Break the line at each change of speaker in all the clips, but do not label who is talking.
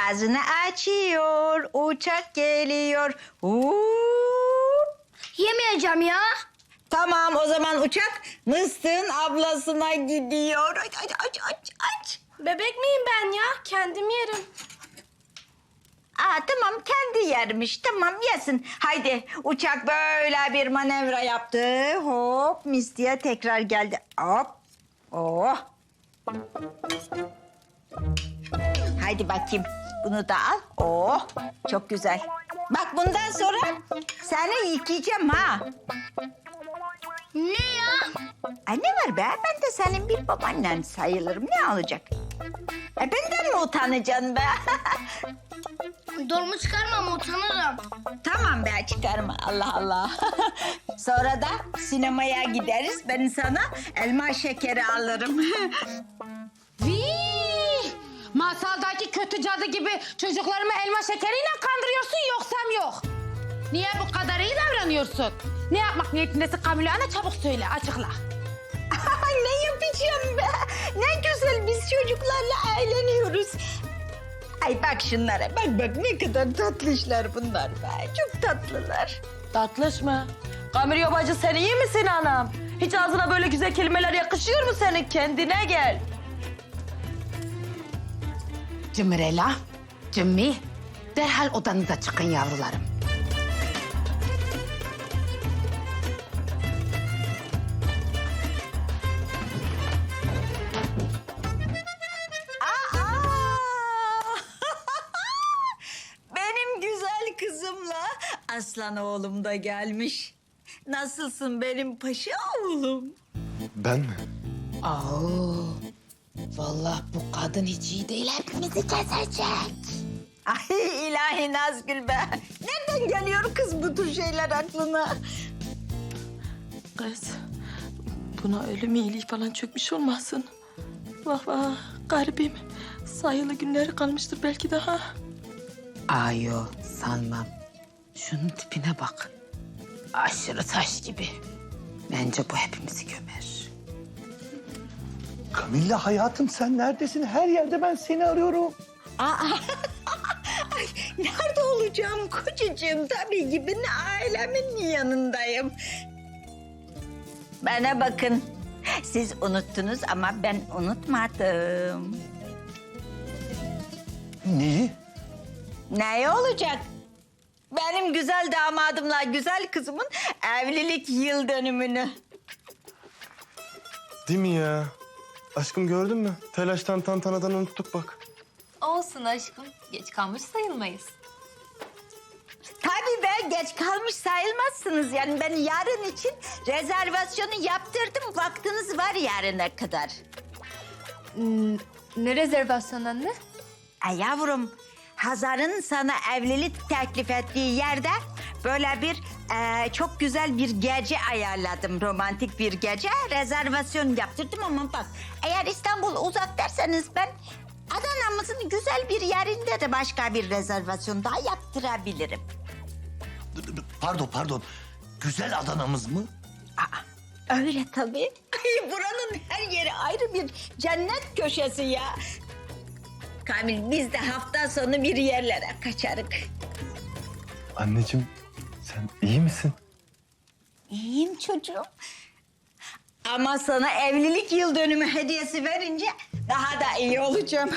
ağzını açıyor, uçak geliyor.
Yemeyeceğim ya.
Tamam, o zaman uçak Mıstığın ablasına gidiyor. Aç.
Bebek miyim ben ya? Kendim yerim.
Tamam, kendi yermiş. Tamam, yesin. Haydi, uçak böyle bir manevra yaptı. Hop, Misty'ye tekrar geldi. Hop. Oh. Haydi bakayım. Bunu da al. Oh, çok güzel. Bak bundan sonra seni yıkayacağım ha.
Ne ya?
Ay ne var be? Ben de senin bir babaannen sayılırım. Ne olacak? Benden mi utanacaksın be?
Dolmu çıkarmam, utanırım.
Tamam be, çıkarma. Allah Allah. Sonra da sinemaya gideriz. Ben sana elma şekeri alırım.
Vii! Masaldaki kötü cadı gibi çocuklarımı elma şekeriyle kandırıyorsun yoksam yok. Niye bu kadar iyi davranıyorsun? Ne yapmak niyetindesin Kamile Ana, çabuk söyle, açıkla.
Ne yapacağım be? Ne güzel biz çocuklarla eğleniyoruz. Ay bak şunlara. Bak ne kadar tatlışlar bunlar be. Çok tatlılar.
Tatlış mı? Kamil bacı sen iyi misin anam? Hiç ağzına böyle güzel kelimeler yakışıyor mu senin? Kendine gel.
Cimrela, Cimmi, derhal odanıza çıkın yavrularım.
Benim güzel kızımla aslan oğlum da gelmiş. Nasılsın benim paşa oğlum?
Ben mi?
Vallahi bu kadın hiç iyi değil, hepimizi kesecek.
Ay ilahi Nazgül be. Nereden geliyor kız bu tür şeyler aklına?
Kız, buna ölüm iyiliği falan çökmüş olmasın? Vah vah, garibim. Sayılı günleri kalmıştır belki daha.
Ayo, sanmam. Şunun tipine bak. Aşırı taş gibi. Bence bu hepimizi gömer.
Kamilla hayatım sen neredesin? Her yerde ben seni arıyorum.
Ay nerede olacağım kocacığım? Tabii ki ben ailemin yanındayım. Bana bakın. Siz unuttunuz ama ben unutmadım.
Neyi?
Ne olacak? Benim güzel damadımla güzel kızımın evlilik yıl dönümünü.
Değil mi ya? Aşkım gördün mü? Telaştan tantanadan unuttuk bak.
Olsun aşkım. Geç kalmış sayılmayız.
Tabii be geç kalmış sayılmazsınız. Yani ben yarın için rezervasyonu yaptırdım. Vaktiniz var yarına kadar.
Ne rezervasyon anne?
Ay yavrum, Hazar'ın sana evlilik teklif ettiği yerde böyle bir çok güzel bir gece ayarladım. Romantik bir gece rezervasyon yaptırdım ama bak eğer İstanbul uzak derseniz ben Adana'mızın güzel bir yerinde de başka bir rezervasyon daha yaptırabilirim.
Pardon. Güzel Adana'mız mı?
Öyle tabii. Ay, buranın her yeri ayrı bir cennet köşesi ya. Kamil biz de hafta sonu bir yerlere kaçarık.
Anneciğim sen iyi misin?
İyiyim çocuğum. Ama sana evlilik yıl dönümü hediyesi verince daha da iyi olacağım.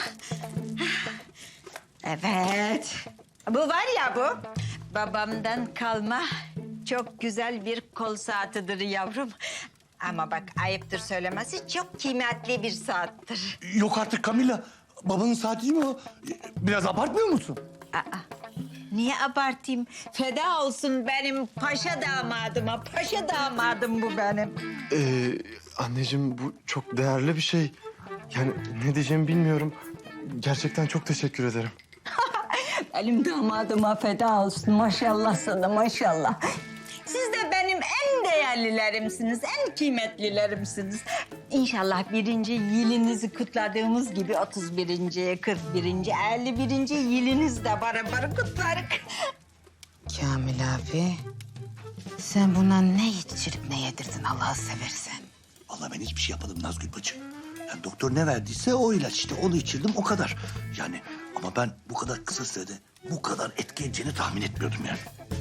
Evet. Bu var ya bu. Babamdan kalma çok güzel bir kol saatidir yavrum. Ama bak ayıptır söylemesi çok kıymetli bir saattir.
Yok artık Kamilla. Babanın saati değil mi o? Biraz abartmıyor musun?
Niye abartayım? Feda olsun benim paşa damadıma. Paşa damadım bu benim.
Anneciğim bu çok değerli bir şey. Yani ne diyeceğimi bilmiyorum. Gerçekten çok teşekkür ederim.
Benim damadıma feda olsun. Maşallah sana maşallah. Siz de benim en değerlilerimsiniz, en kıymetlilerimsiniz. İnşallah 1. yılınızı kutladığımız gibi 31. 41. 51. yılınızı da beraber kutlarız.
Kamil abi, sen buna ne içirip ne yedirdin Allah'ı seversen?
Vallahi ben hiçbir şey yapmadım Nazgül bacı. Yani doktor ne verdiyse o ilaç işte onu içirdim o kadar. Yani Ama ben bu kadar kısa sürede bu kadar etki edeceğini tahmin etmiyordum yani.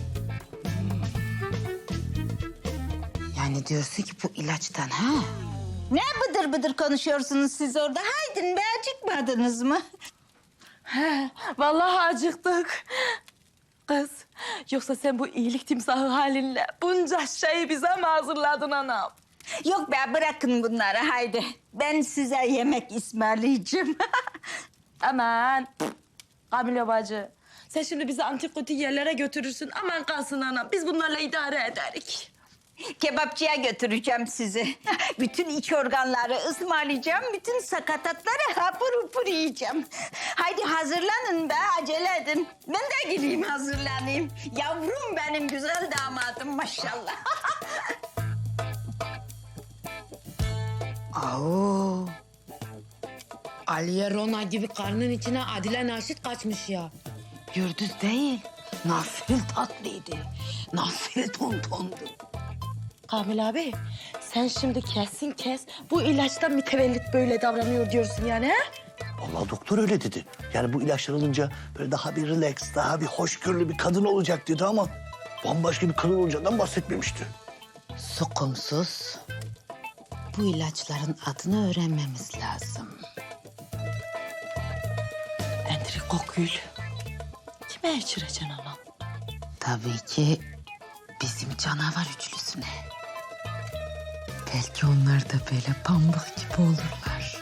Yani diyorsun ki bu ilaçtan ha?
Ne bıdır bıdır konuşuyorsunuz siz orada? Haydin be, acıkmadınız mı?
Vallahi acıktık. Kız, yoksa sen bu iyilik timsahı halinle bunca şeyi bize mi hazırladın anam?
Yok be, bırakın bunları haydi. Ben size yemek ısmarlayacağım.
Aman, Kamile bacı. Sen şimdi bizi antipatik yerlere götürürsün. Aman kalsın anam, biz bunlarla idare ederik.
Kebapçıya götüreceğim sizi. Bütün iç organları ısmarlayacağım. Bütün sakatatları hapur hupur yiyeceğim. Haydi hazırlanın be, acele edin. Ben de gideyim hazırlanayım. Yavrum benim güzel damadım maşallah.
Au. Aliye Rona gibi karnın içine Adile Naşit kaçmış ya. Gürdüz değil, nasıl tatlıydı, nasıl tontondu.
Kamil abi, sen şimdi kesin kes bu ilaçtan mütevellit böyle davranıyor diyorsun yani ha?
Vallahi doktor öyle dedi. Yani bu ilaçlar alınca böyle daha bir relax, daha bir hoşgörülü bir kadın olacak dedi ama bambaşka bir kadın olacağından bahsetmemişti.
Sukumsuz. Bu ilaçların adını öğrenmemiz lazım.
Entrikokül. Kime içireceksin anam?
Tabii ki bizim canavar üçlüsüne. Belki onlar da böyle pamuk gibi olurlar.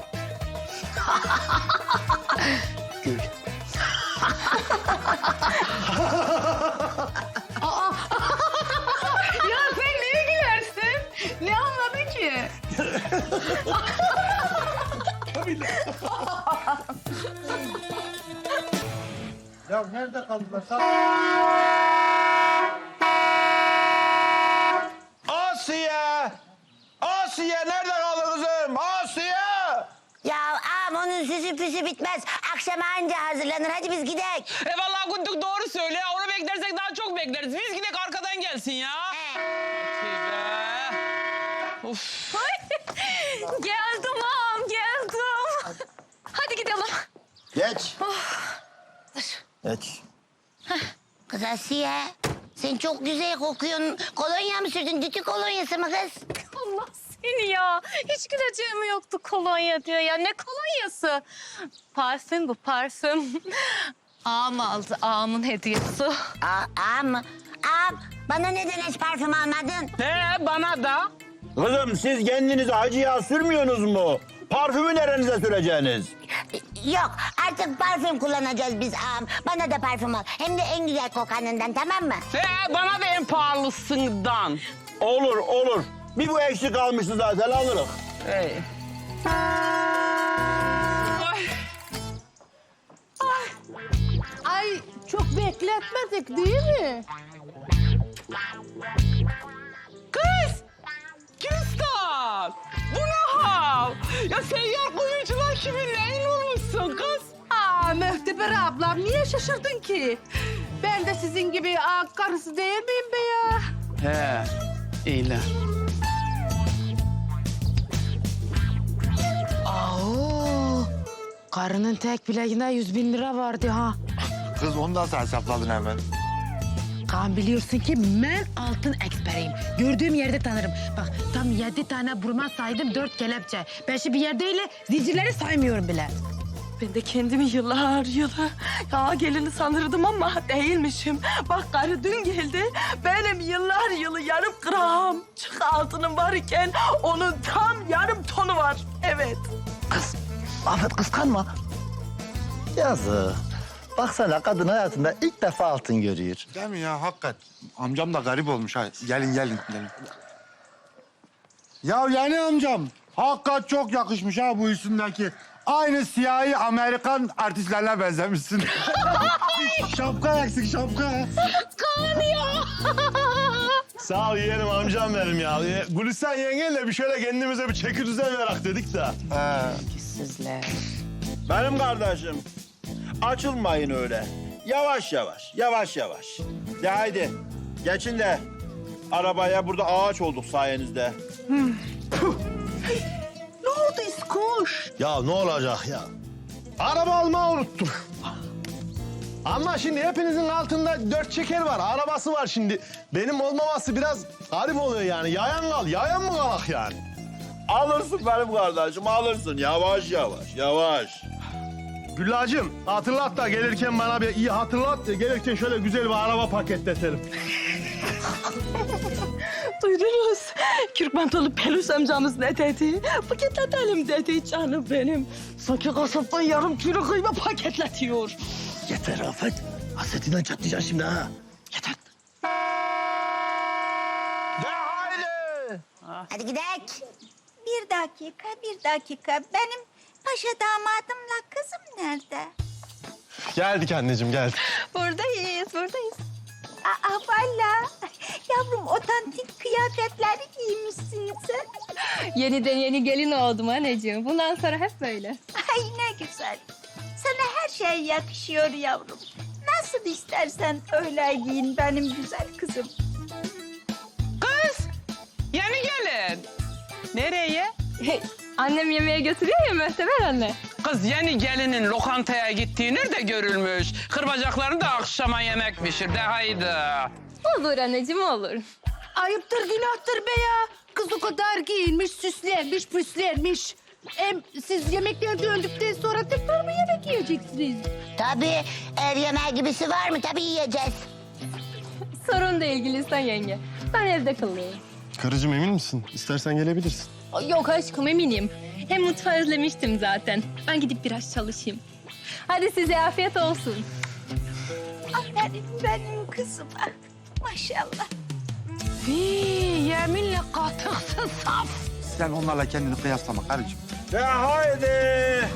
Gül.
Ya sen neye gülersin? Ne anladın ki?
Ya nerede kaldılar?
Asiye! Asiye nerede kaldı kızım? Asiye!
Ya ağam onun süsü püsü bitmez. Akşama anca hazırlanır. Hadi biz gidelim.
Vallahi Gündük doğru söyle. Onu beklersek daha çok bekleriz. Biz gidek arkadan gelsin ya. Of.
Geldim ağam, geldim. Hadi gidelim.
Geç. Geç.
Kız Asiye, sen çok güzel kokuyorsun. Kolonya mı sürdün? Dütü kolonyası mı kız?
Allah seni ya. Hiç güleceğim yoktu kolonya diyor ya. Ne kolonyası? Parfüm bu, parfüm. Ağam aldı, ağamın hediyesi.
Ağam mı? Ağam, bana neden hiç parfüm almadın?
Bana da.
Kızım siz kendinize hacı yağ sürmüyorsunuz mu? Parfümü nerenize süreceğiniz?
Yok, artık parfüm kullanacağız biz ağam. Bana da parfüm al. Hem de en güzel kokanından, tamam mı?
Bana da en pahalısından.
Olur olur. Bir bu eksik kalmıştı zaten alırız.
Hey.
Ay çok bekletmedik değil mi?
Kız! Küstah! Bu ne hal? Ya seyyar kuyucular kimin neyin olmuşsun kız?
Aa Möhteber ablam niye şaşırdın ki? Ben de sizin gibi karısı değil miyim be ya?
He, iyiler.
Aa, karının tek bileğinde 100.000 lira vardı ha.
Kız onu nasıl hesapladın hemen?
Kaan biliyorsun ki ben altın eksperiyim. Gördüğüm yerde tanırım. Bak tam 7 tane burma saydım, 4 kelepçe. Ben şimdi bir yerdeyle zincirleri saymıyorum bile.
Ben de kendimi yıllar ya gelini sanırdım ama değilmişim. Bak karı dün geldi. Benim yıllar yılı yarım gram çık altınım var iken onun tam yarım tonu var. Evet.
Kız, Ahmet kıskanma. Yazık. Baksana kadın hayatında ilk defa altın görüyor.
Değil mi ya, hakikat. Amcam da garip olmuş ha. Gelin. Ya yeni amcam, hakikat çok yakışmış ha bu üstündeki. Aynı siyahi Amerikan artistlerine benzemişsin. Şapka eksik, şapka.
Sağ ol yeğenim amcam benim ya. Gülistan yengenle bir şöyle kendimize bir çeki düzen verak dedik de.
Sizler.
Benim kardeşim. Açılmayın öyle. Yavaş yavaş. De haydi. Geçin de arabaya, burada ağaç olduk sayenizde.
Ya ne olacak ya?
Araba almayı unuttum. Ama şimdi hepinizin altında 4 çeker var, arabası var şimdi. Benim olmaması biraz garip oluyor yani. Yayan mı kalak yani?
Alırsın benim kardeşim, alırsın. Yavaş yavaş, yavaş.
Güllacığım hatırlat da gelirken bana bir iyi hatırlat da gelirken şöyle güzel bir araba paketletelim.
Duydunuz. Kürkmantolu peluş amcamız ne dedi? Paketletelim dedi canım benim. Sanki kasaptan yarım kilo kıyma paketletiyor.
Yeter Afet. Hasretinden çatlayacaksın şimdi ha. Yeter.
De haydi.
Hadi gidelim.
Bir dakika. Benim paşa damadımla kızım nerede?
Geldik anneciğim geldik.
Buradayız. Aa valla. Yavrum otantik kıyafetleri giymişsin sen.
Yeniden yeni gelin oldum anneciğim. Bundan sonra hep böyle.
Ay ne güzel. Sana her şey yakışıyor yavrum. Nasıl istersen öyle giyin benim güzel kızım.
Kız, yeni gelin. Nereye?
Annem yemeğe götürüyor ya Möhteber anne.
Kız yeni gelinin lokantaya gittiği nerede görülmüş? Kırbacaklarını da akşama yemek pişir de haydi.
Olur anneciğim olur.
Ayıptır günahtır be ya. Kız o kadar giyinmiş, süslenmiş, püslenmiş. Hem siz yemekten döndükten sonra tekrar mı yemek yiyeceksiniz?
Tabii ev yemeği gibisi var mı? Tabii yiyeceğiz.
Sorun değil Gülistan yenge. Ben evde kalıyorum.
Karıcığım emin misin? İstersen gelebilirsin.
Yok aşkım eminim. Hem mutfağı özlemiştim zaten. Ben gidip biraz çalışayım. Hadi size afiyet olsun.
Aferin benim kızıma. Maşallah.
Yeminle katıksın saf.
Sen onlarla kendini kıyaslama karıcığım.
De haydi.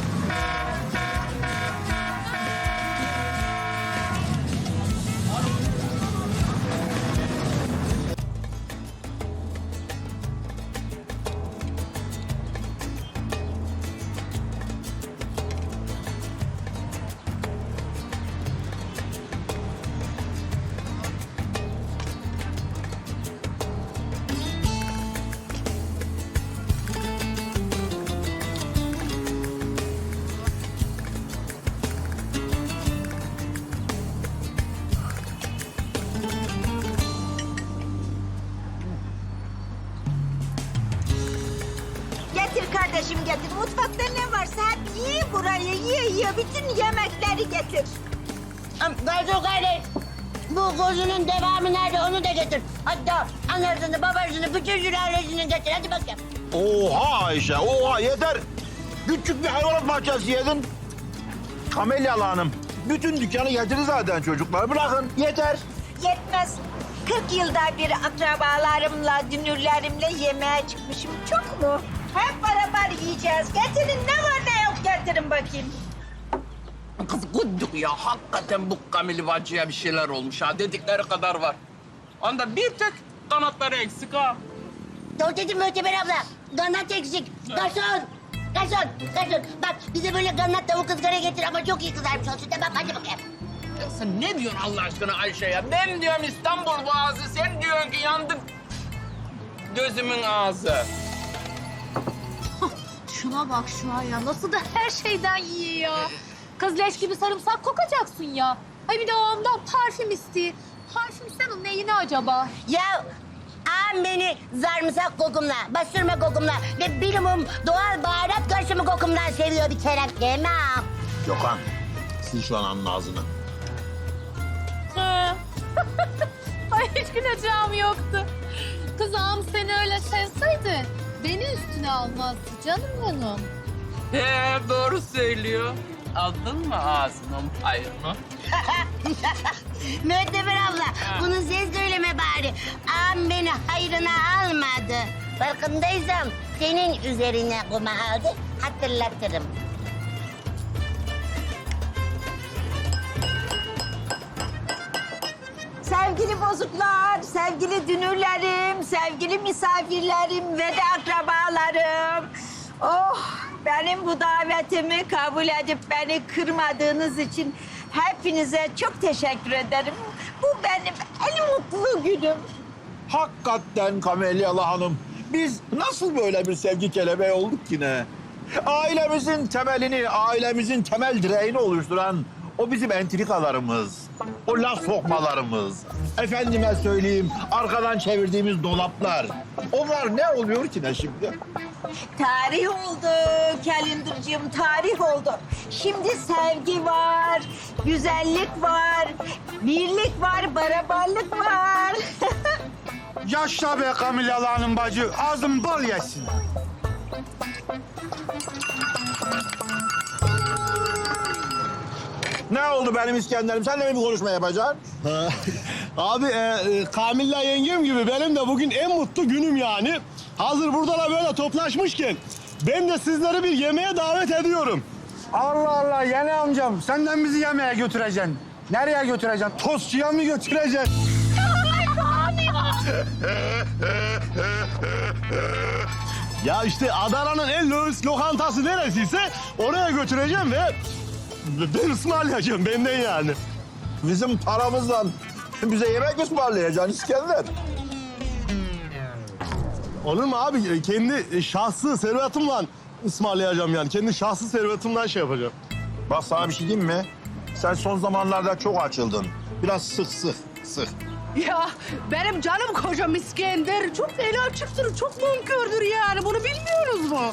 Getir kardeşim getir. Mutfakta ne varsa hep ye burayı. Ye. Bütün yemekleri getir.
Garson kardeş. Bu kuzunun devamı nerede onu da getir. Hatta anasını babasını bütün sülalesini getir. Hadi bakayım.
Oha Ayşe, oha yeter. Küçük bir hayvanat bahçesi yedin. Kamelyalı Hanım. Bütün dükkanı getirdi zaten çocuklar. Bırakın, yeter.
Yetmez. 40 yılda bir akrabalarımla, dünürlerimle yemeğe çıkmışım. Çok mu? Hep beraber yiyeceğiz. Getirin ne var ne yok getirin bakayım.
Kız gıddık ya. Hakikaten bu Kamil bacıya bir şeyler olmuş ha. Dedikleri kadar var. Onda bir tek kanatları eksik ha.
Doğru dedim Möhteber abla. Kanat eksik. Garson. Bak bize böyle kanat tavuk ızgara getir ama çok iyi kızarmış olsun. Tamam hadi bakayım.
Ya sen ne diyorsun Allah aşkına Ayşe ya? Ben diyorum İstanbul Boğazı, sen diyorsun ki yandık gözümün ağzı.
Şuna bak şu an ya. Nasıl da her şeyden yiyor ya. Kız leş gibi sarımsak kokacaksın ya. Ay bir de o ondan parfüm istiyor. Parfüm sen onun neyine acaba?
Ya ağam beni sarımsak kokumla, bastırma kokumla ve minimum doğal baharat karışımı kokumdan seviyor bir kere. Değil mi ağam?
Gökhan, sil şu ananın ağzını.
Ay hiç güleceğim yoktu. Kız ağam seni öyle sevseydi beni üstüne almazdı canım benim.
Doğru söylüyor. Aldın mı ağzının payını?
Möhteber abla, bunu ses söyleme bari. Ağam beni hayrına almadı. Farkındaysam senin üzerine kuma aldı, hatırlatırım.
Sevgili bozuklar, sevgili dünürlerim, sevgili misafirlerim ve de akrabalarım. Oh, benim bu davetimi kabul edip beni kırmadığınız için hepinize çok teşekkür ederim. Bu benim en mutlu günüm.
Hakikaten Kamelyalı Hanım. Biz nasıl böyle bir sevgi kelebeği olduk ki ne? Ailemizin temelini, ailemizin temel direğini oluşturan o bizim entrikalarımız, o laf sokmalarımız, efendime söyleyeyim arkadan çevirdiğimiz dolaplar. Onlar ne oluyor ki ne şimdi?
Tarih oldu Calendar'cığım, tarih oldu. Şimdi sevgi var, güzellik var, birlik var, beraberlik var.
Yaşla be Kamil Hanım bacı. Ağzın bal yesin.
Ne oldu benim İskender'im? Sen de mi bir konuşma yapacaksın?
Abi Kamilla yengem gibi benim de bugün en mutlu günüm yani. Hazır burada da böyle toplaşmışken ben de sizleri bir yemeğe davet ediyorum.
Allah Allah yeni amcam. Senden bizi yemeğe götüreceksin. Nereye götüreceksin? Tostçuya mı götüreceksin?
Ya işte Adana'nın en lüks lokantası neresiyse oraya götüreceğim ve ben ısmarlayacağım benden yani.
Bizim paramızla bize yemek mi ısmarlayacaksın İskender?
Olur mu abi? Kendi şahsi servetimle ısmarlayacağım yani. Kendi şahsi servetimden şey yapacağım.
Bak sana bir şey diyeyim mi? Sen son zamanlarda çok açıldın. Biraz sık.
Ya benim canım kocam İskender çok fena çıktır, çok nankördür yani. Bunu bilmiyoruz mu?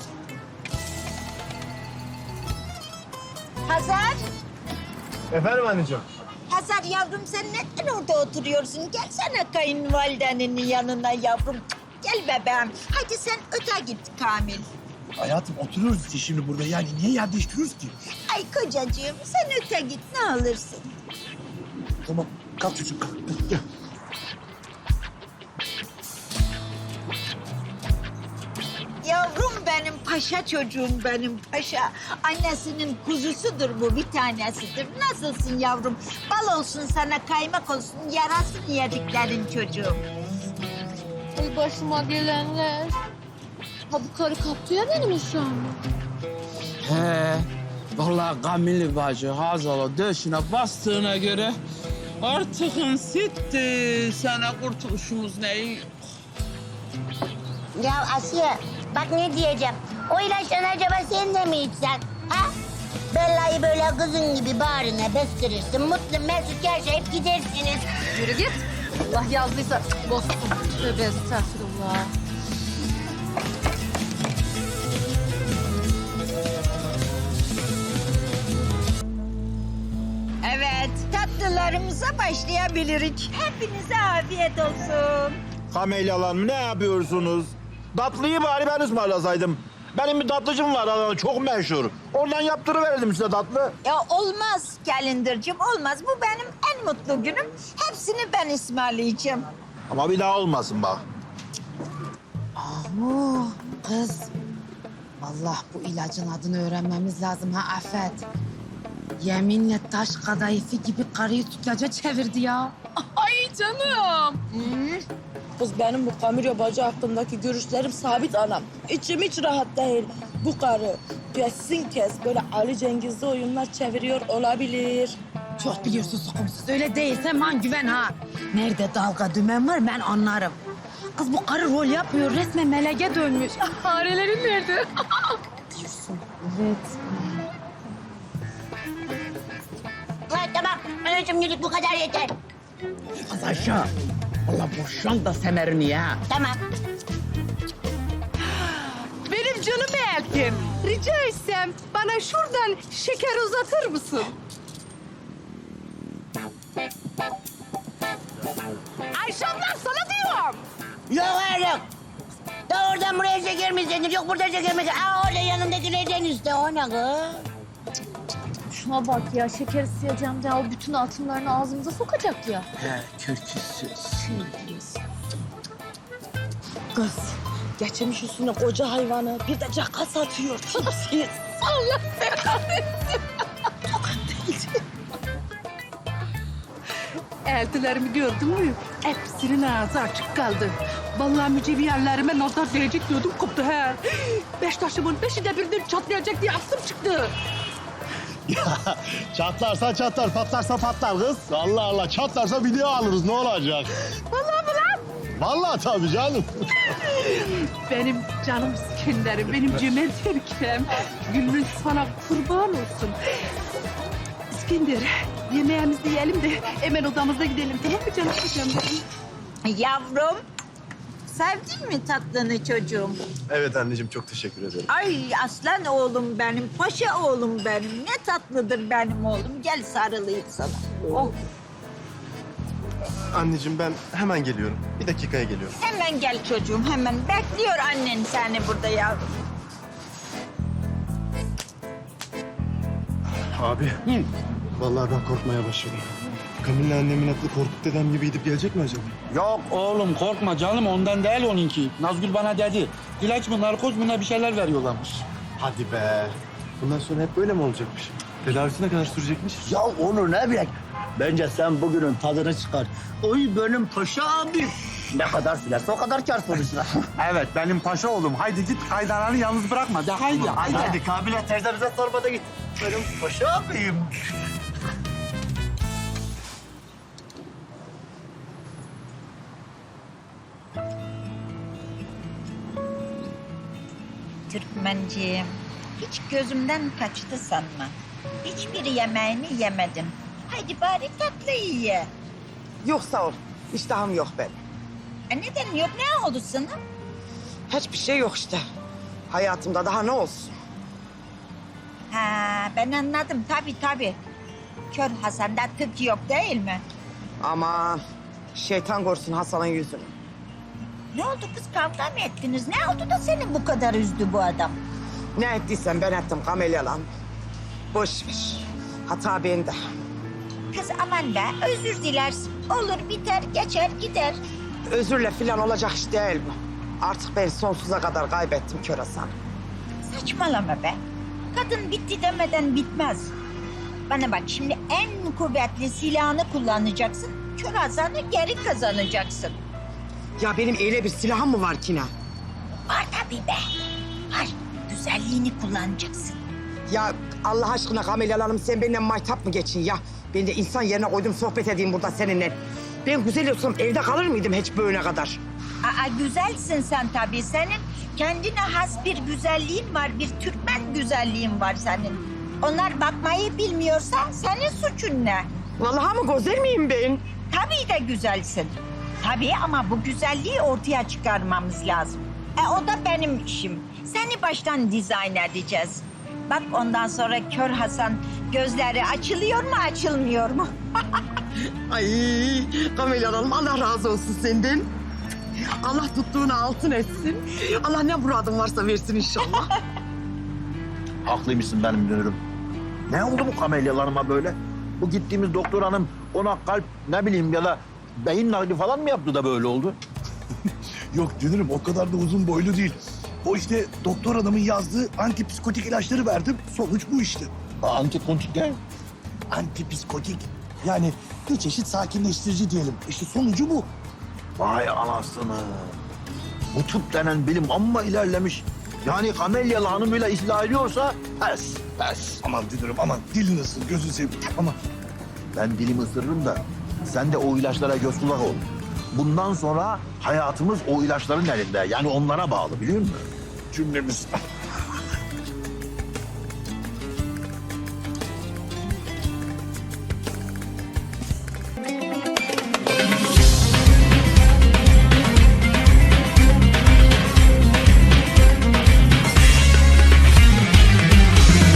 Hazar,
Efendim anneciğim?
Hazar yavrum sen neden orada oturuyorsun? Gelsene kayınvalidenin yanına yavrum. Gel bebeğim. Hadi sen öte git Kamil.
Hayatım oturuyoruz işte şimdi burada. Yani niye yer değiştiriyoruz ki?
Ay kocacığım sen öte git ne alırsın.
Tamam kalk çocuğum kalk. Gel.
Yavrum benim, paşa çocuğum benim paşa. Annesinin kuzusudur bu, bir tanesidir. Nasılsın yavrum? Bal olsun sana, kaymak olsun, yarasın yediklerin çocuğum.
Ay başıma gelenler. Ha bu karı kaptı ya benim uşağımı.
He. Vallahi Kamil bacı Hazal'a döşüne bastığına göre artık sitti. Sana kurtuluşumuz ne?
Ya Asiye bak ne diyeceğim. O ilaçları acaba sen de mi içsen? Ha? Bella'yı böyle kızın gibi bağrına bastırırsın. Mutlu mesut yaşayıp gidersiniz.
Yürü git. Allah yazdıysa bozsun. Tövbe estağfurullah.
Evet, tatlılarımıza başlayabiliriz. Hepinize afiyet olsun.
Kamelyalar ne yapıyorsunuz? Tatlıyı bari ben ısmarlasaydım. Benim bir tatlıcım var Adana'da çok meşhur. Oradan yaptırıverirdim size tatlı.
Ya olmaz Calendar'cığım, olmaz. Bu benim en mutlu günüm. Hepsini ben ısmarlayacağım.
Ama bir daha olmasın bak.
Oo, kız. Vallahi bu ilacın adını öğrenmemiz lazım ha Afet. Yeminle taş kadayıfı gibi karıyı tutaca çevirdi ya.
Ay canım. Kız benim bu Kamilya bacı hakkındaki görüşlerim sabit anam. İçim hiç rahat değil. Bu karı kesin böyle Ali Cengiz'de oyunlar çeviriyor olabilir.
Çok biliyorsun sokumsuz. Öyle değilse man güven ha. Nerede dalga dümen var ben anlarım. Kız bu karı rol yapıyor. Resmen meleke dönmüş.
Farelerin nerede?
Diyorsun. Evet.
Ha, tamam. Anacığım yürü bu kadar yeter.
Az aşağı. Allah boşan da semerini ya.
Tamam.
Benim canım eltim. Rica etsem bana şuradan şeker uzatır mısın? Ayşe ablam sana diyorum.
Yok oğlum. Da oradan buraya şeker mi istedin? Yok burada şeker mi? Aa orada yanındakilerden iste. O ne kız?
Şuna bak ya şeker isteyeceğim de o bütün altınlarını ağzımıza sokacak ya.
He kötüsü.
Kız geçirmiş üstüne koca hayvanı bir de caka satıyor. Tipsiz. Allah kahretsin. Eltilerimi gördün mü? Hepsinin ağzı açık kaldı. Vallahi mücevherlerime nazar değecek diyordum koptu he. Beş taşımın beşi de birden çatlayacak diye aklım çıktı.
Ya çatlarsa çatlar, patlarsa patlar kız. Allah Allah çatlarsa video alırız ne olacak?
Vallahi mı lan?
Vallahi tabii canım.
Benim canım İskender'im, benim cömert erkeğim. Gülmüş sana kurban olsun. İskender, yemeğimizi yiyelim de hemen odamıza gidelim, tamam mı canım kocam benim?
Yavrum, sevdin mi tatlını çocuğum?
Evet anneciğim çok teşekkür ederim.
Ay aslan oğlum benim, paşa oğlum benim. Ne tatlıdır benim oğlum. Gel sarılayım sana. Oh,
Anneciğim ben hemen geliyorum. Bir dakikaya geliyorum.
hemen gel çocuğum, hemen. Bekliyor annen seni burada yavrum.
Abi. Vallahi ben korkmaya başladım. Kamil'le annemin aklı Korkut dedem gibi gidip gelecek mi acaba?
Yok oğlum korkma canım ondan değil onunki. Nazgül bana dedi. İlaç mı narkoz mu ne bir şeyler veriyorlarmış.
Hadi be. Bundan sonra hep böyle mi olacakmış? Tedavisi ne kadar sürecekmiş?
Ya Onur ne bilek? Bence sen bugünün tadını çıkar. Oy benim paşa abi. Ne kadar silerse o kadar kar sonuçta.
Evet benim paşa oğlum. Haydi git kaydananı yalnız bırakma. De haydi haydi.
Hadi Kabile teyze bize sormada git. Benim paşa abiyim.
Türkmenciğim, hiç gözümden kaçtı sanma. Hiçbir yemeğini yemedim. Haydi bari tatlıyı ye.
Yok sağ ol, iştahım yok benim.
Neden yok? Ne oldu sana?
Hiçbir şey yok işte. Hayatımda daha ne olsun?
Ha, ben anladım. Tabii. Kör Hasan'da tık yok değil mi?
Aman şeytan görsün Hasan'ın yüzünü.
Ne oldu kız, kavga mı ettiniz? Ne oldu da seni bu kadar üzdü bu adam?
Ne ettiysen ben ettim Kamelyalan. Boş ver. Hata bende.
Kız aman be, özür dilersin. Olur biter, geçer gider.
Özürle falan olacak iş değil bu. Artık ben sonsuza kadar kaybettim Kör Hasan'ı.
Saçmalama be. Kadın bitti demeden bitmez. Bana bak, şimdi en kuvvetli silahını kullanacaksın. Kör Hasan'ı geri kazanacaksın.
Ya benim öyle bir silahım mı var ki ne?
Var tabii be. Var. Güzelliğini kullanacaksın.
Ya Allah aşkına Kamelyalan'ım sen benimle maytap mı geçin ya? Ben de insan yerine koydum sohbet edeyim burada seninle. Ben güzel olsam evde kalır mıydım hiç böyle kadar?
Aa, güzelsin sen tabii. Senin kendine has bir güzelliğin var. Bir Türkmen güzelliğin var senin. Onlar bakmayı bilmiyorsa senin suçun ne?
Vallahi mı güzel miyim ben?
Tabii de güzelsin. Tabii ama bu güzelliği ortaya çıkarmamız lazım. O da benim işim. Seni baştan dizayn edeceğiz. Bak ondan sonra Kör Hasan gözleri açılıyor mu açılmıyor mu?
Ay Kamelyalan'ım Allah razı olsun senden. Allah tuttuğunu altın etsin. Allah ne muradın varsa versin inşallah.
Haklıymışsın benim dönürüm. Ne oldu bu kamelyalarıma böyle? Bu gittiğimiz doktor hanım ona kalp ne bileyim ya da beyin nakli falan mı yaptı da böyle oldu?
Yok dünürüm o kadar da uzun boylu değil. O işte doktor adamın yazdığı antipsikotik ilaçları verdim. Sonuç bu işte.
Antikontik ne?
Antipsikotik. Yani bir çeşit sakinleştirici diyelim. İşte sonucu bu.
Vay anasını. Bu tıp denen bilim amma ilerlemiş. Yani kamelyalı hanımıyla ıslah ediyorsa pes.
Aman dünürüm aman dilini ısır gözünü seveyim. Aman.
Ben dilimi ısırırım da sen de o ilaçlara göz kulak ol. Bundan sonra hayatımız o ilaçların elinde. Yani onlara bağlı biliyor musun?
Cümlemiz.